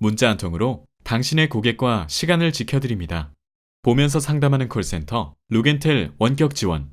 문자 한 통으로 당신의 고객과 시간을 지켜드립니다. 보면서 상담하는 콜센터 루겐텔 원격 지원.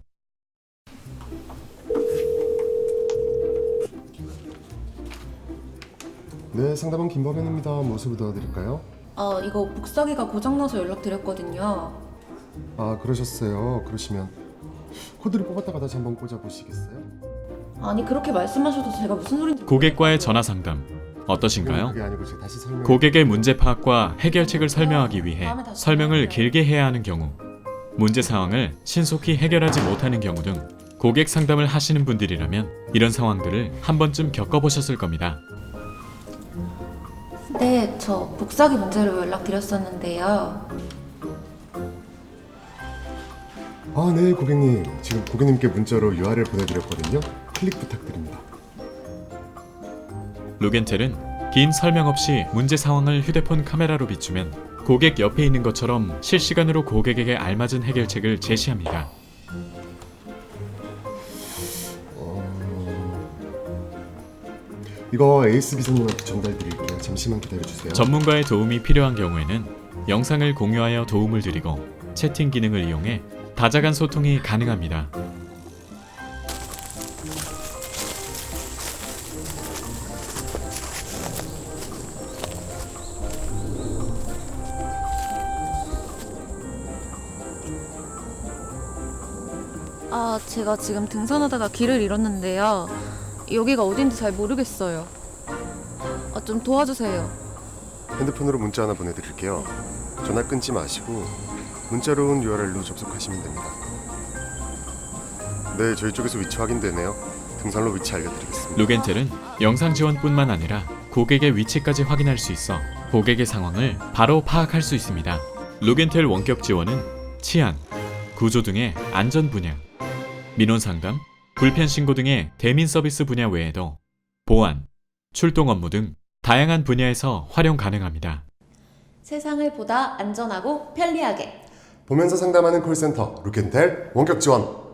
네, 상담원 김범현입니다. 무엇을 도와드릴까요? 이거 복사기가 고장나서 연락드렸거든요. 아, 그러셨어요. 그러시면 코드를 뽑았다가 다시 한번 꽂아보시겠어요? 아니 그렇게 말씀하셔도 제가 무슨 소린지 고객과의 전화 상담 어떠신가요? 그게 아니고 제가 다시 설명. 고객의 문제 파악과 해결책을 설명하기 위해 설명을 길게 해야 하는 경우, 문제 상황을 신속히 해결하지 못하는 경우 등 고객 상담을 하시는 분들이라면 이런 상황들을 한 번쯤 겪어보셨을 겁니다. 네, 저 복사기 문제로 연락드렸었는데요. 아, 네, 고객님. 지금 고객님께 문자로 URL 보내드렸거든요. 클릭 부탁드립니다. 루겐텔은 긴 설명 없이 문제 상황을 휴대폰 카메라로 비추면 고객 옆에 있는 것처럼 실시간으로 고객에게 알맞은 해결책을 제시합니다. 이거 에이스 비서님한테 전달드릴게요. 잠시만 기다려주세요. 전문가의 도움이 필요한 경우에는 영상을 공유하여 도움을 드리고 채팅 기능을 이용해 다자간 소통이 가능합니다. 제가 지금 등산하다가 길을 잃었는데요. 여기가 어딘지 잘 모르겠어요. 좀 도와주세요. 핸드폰으로 문자 하나 보내드릴게요. 전화 끊지 마시고 문자로 온 URL로 접속하시면 됩니다. 네, 저희 쪽에서 위치 확인되네요. 등산로 위치 알려드리겠습니다. 루겐텔은 영상 지원뿐만 아니라 고객의 위치까지 확인할 수 있어 고객의 상황을 바로 파악할 수 있습니다. 루겐텔 원격 지원은 치안, 구조 등의 안전 분야, 민원 상담, 불편 신고 등의 대민 서비스 분야 외에도 보안, 출동 업무 등 다양한 분야에서 활용 가능합니다. 세상을 보다 안전하고 편리하게. 보면서 상담하는 콜센터 루켄텔 원격 지원.